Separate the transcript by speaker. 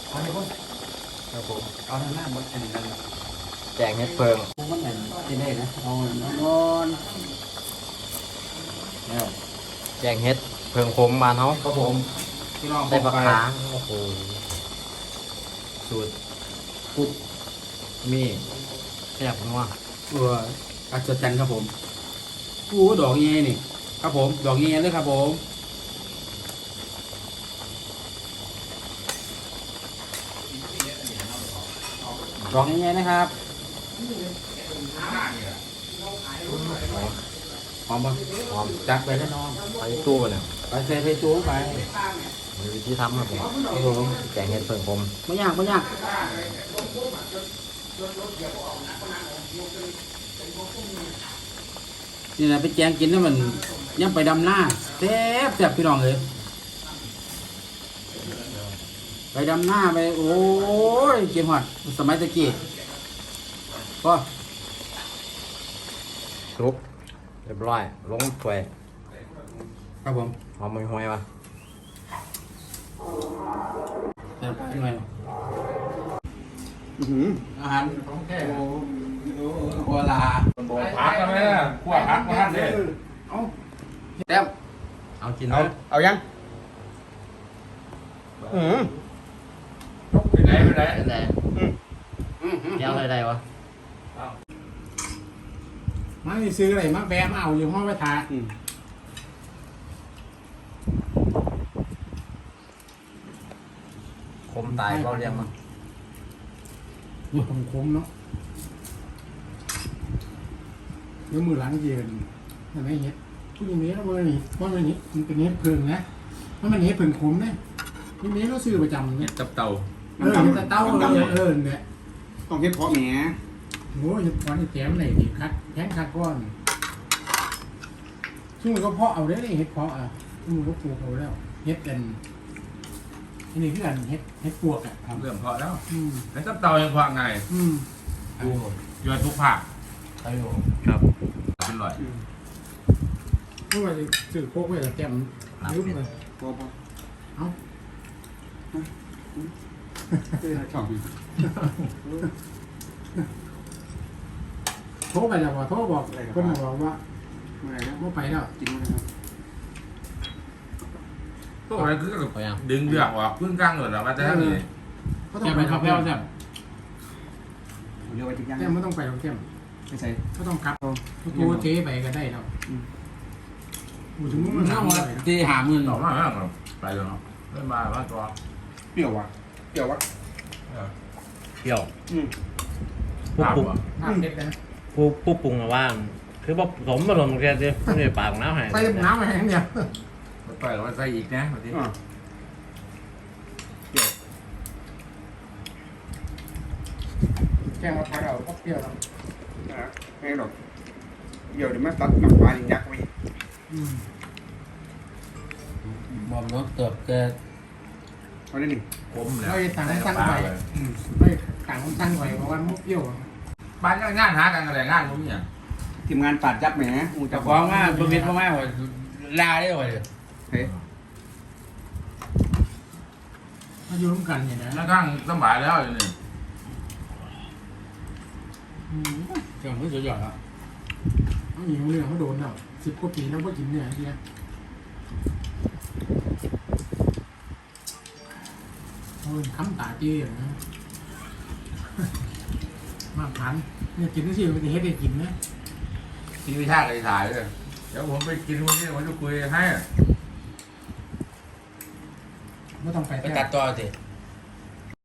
Speaker 1: เอาไปคนครับผมเอาทางหน้ามันอันนี้กัน
Speaker 2: แจงเฮ็ดเพิง
Speaker 1: มันเหมือนที่ได้นะเอานอน
Speaker 2: เนี่ยแจงเฮ็ดเพิงคมบ้านเฮา
Speaker 1: ครับผมพี่น้อง
Speaker 2: ได้ปลาค้างโอ้โหสูตร
Speaker 1: ปุ๊บ
Speaker 2: มีแซ่บนัว
Speaker 1: อัศจรรย์ครับผมอู้ดอกเงี้ยนี่ครับผมดอกเงี้ยเลยครับผมดอกเงี้ยนะครับหอมปะ
Speaker 2: หอม
Speaker 1: จัดไปแล้วน้อง
Speaker 2: ไปตู้ไปเลย
Speaker 1: ไปใส่ไปจูงไป
Speaker 2: มีวิธีทำครับผม
Speaker 1: ครับผม
Speaker 2: แจงเฮ็ดเพิงคม
Speaker 1: ไม่ยากไม่ยากนี่นะไปแจงกินแล้วมันยังไปดำหน้าแซ่บแซ่บพี่น้องเลยไปดำหน้าไปโอ้ยเกมหอดสมัยตะกี้ก็
Speaker 2: ซุปเรียบร้อยลงถ้วย
Speaker 1: ครับผม
Speaker 2: หอมห่วยๆว่ะ
Speaker 1: แซ่บยังไงอาหารของแท้โอ้โหลา
Speaker 3: พักกันไหมล่ะขั้วพักมาท่านเลย
Speaker 1: เอาแต้ม
Speaker 2: เอากิน
Speaker 1: เอายัง
Speaker 3: ไปไหนไปไหน
Speaker 2: แต่แก้วอะไรได้วะ
Speaker 1: มาซื้ออะไรมาแบะมาเอาอยู่ห้องไว้ทา
Speaker 2: คมตายเบาเรียงมั้ง
Speaker 1: อยู่ของคมเนาะเดี๋ยวมือหลังเย็นทำไมเห็ดผู้หญิงนี้แล้วเบอร์นี่ว่ามันนี้มันเป็นเห็ดเพิงนะมันเป็นเห็ดเพิงขมนะทีนี้เราซื้อประจำเนี่ย
Speaker 3: จับเต่า
Speaker 1: เห็ดเต้าเนี่ย
Speaker 4: ต้องเฮ็ดเพราะแหม
Speaker 1: โอ้ยเห็ดก้อนแถมไหนดิคัดแทงคัดก้อนซึ่งมันก็เพาะเอาได้เลยเห็ดเพาะอ่ะซึ่งมันก็ปลูกเอาแล้วเห็ดกันอันนี้คือกันเห็ดปวกอ่ะครับ
Speaker 3: เรื่องเพาะแล้ว
Speaker 1: อืม
Speaker 3: แล้วจับเต่ายังเพาะไง
Speaker 1: อืม
Speaker 3: ดูยอดทุกภาค
Speaker 2: ใช่อยู่
Speaker 3: ครับเป็นร่อย
Speaker 1: เพราะว่าซื้อโคกไว้แล้วแจ่มลืมเลย
Speaker 4: พอ
Speaker 1: เอ้า
Speaker 4: ช่อง
Speaker 1: โทรไปแล้วว่าโทรบอกคนบอกว่า
Speaker 4: เมื่อไหร่นะ
Speaker 1: ไม่ไปแล้ว
Speaker 4: กินนะครับ
Speaker 3: พวกอะไรคือดึงเดือกออกพึ่งกลางเลยหรอว่าจะทำยังไง
Speaker 1: ก็ต้องไปครับแก้วแจ่ม
Speaker 4: เรียกว่าจิ้มย่าง
Speaker 1: แจ่มไม่ต้องไปหรอกแจ่ม
Speaker 4: ไม่ใช่
Speaker 1: ก็ต้องกลับตัวเจ๊ไปก็ได้แล้วอูถึงมึงมันเอามา
Speaker 4: ที่หาเงิน
Speaker 3: ต่อมาแล้วไปเลยเนาะเล่นมาว่าตัว
Speaker 4: เปรี้ยววะเปรี้ยววะ
Speaker 2: เปรี้ยว
Speaker 3: ภาพ
Speaker 1: ภาพเด็ดนะ
Speaker 2: ผู้ปรุงอะว่า คือผสมผสมแค่ที่ไม่ได้ปากน้ำให้
Speaker 1: ใส่น้ำมาแห้งเดียว
Speaker 3: ไปแล้วว่าใส่อีกนะวันนี้
Speaker 1: แกงมาพักเอาก็เปรี้ยวแล้ว
Speaker 4: ไม่หรอกเดี๋ยวมาตัดน้ำปลายักษ์ไว้
Speaker 2: บอมรสเติบเกิด
Speaker 4: เอาได้หนึ่ง
Speaker 3: ผมเนี่ย
Speaker 1: ไม่ต่างตั้งไปไม่ต่างตั้งไปเพราะว่ามุกเปรี้ยว
Speaker 3: บ้านงานหากันอะไรงานผมเนี่ย
Speaker 4: ทีมงานปาดยับแหมมูจะ
Speaker 1: ฟ้องว่าบริเวณพ่อแม่ว่าลาได้เลย
Speaker 4: เฮ้ย
Speaker 1: มาอยู่ร่วมกันเนี่ยนะ
Speaker 3: แล้วข้างสบายแล้วอยู่นี่
Speaker 1: เจ้าไม่สุดยอดอ่ะเขาหนีเรื่องเขาโดนแล้ว10 กว่าปีแล้วก็กินเนี่ยทีนี้โอ้ยคำตาจี้อย่างนะมาพันเนี่ยกินได้สิมันจะเฮ็ดได้กินนะ
Speaker 3: ทีวิชาเลยถ่ายเลยเดี๋ยวผมไปกินวันนี้ผมจะคุยให้
Speaker 1: ไม่ต้องไป
Speaker 2: ไปตัดต่อสิ
Speaker 1: ไ